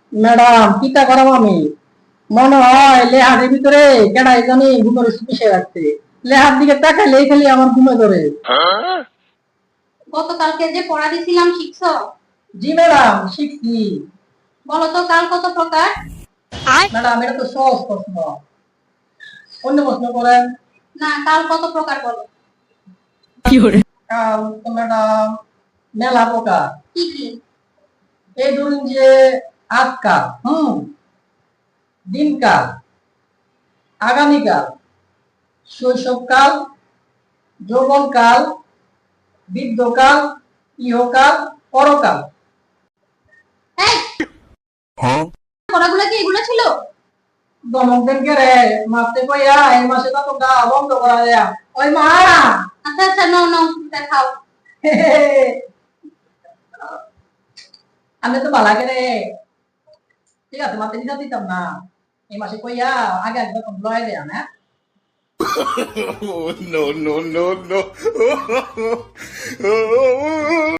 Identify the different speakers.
Speaker 1: Madam কিতা করাম আমি মনে হয় লেহারের ভিতরে কেডাই জানি ঘুমের ওষুধ মিশিয়ে রাখছে। লেহার দিকে তাকাইলে খালি আমার ঘুমে ধরে।
Speaker 2: গতকালকে যে পড়া দিছিলাম শিখছো?
Speaker 1: জি ম্যাডাম শিখছি।
Speaker 2: বলো তো কাল কত প্রকার?
Speaker 1: ম্যাডাম এটা তো সহজ প্রশ্ন, অন্য প্রশ্ন করেন।
Speaker 2: না, কাল কত প্রকার বলো।
Speaker 1: কাল তো ম্যাডাম মেলা প্রকার।
Speaker 2: কি কি?
Speaker 1: এই ধরুন যে আজকাল, দিনকাল, আগামীকাল, শৈশবকাল, যৌবনকাল, বৃদ্ধকাল, ইহকাল, পরকাল।
Speaker 2: এই পড়াগুলো কি এগুলো ছিল?
Speaker 1: দমক দেন কে রে, মারতে কইয়া এই মাসে তো গা বন্ধ করা দেয়া। ওই মা
Speaker 2: আচ্ছা আচ্ছা, নো নো, দেখাও।
Speaker 1: আমি তো বালা কে রে, ঠিক আছে মারতে দিতাম না, এই মাসে কইয়া আগে একবার লয় দেয়া না।
Speaker 3: no, no, no, no.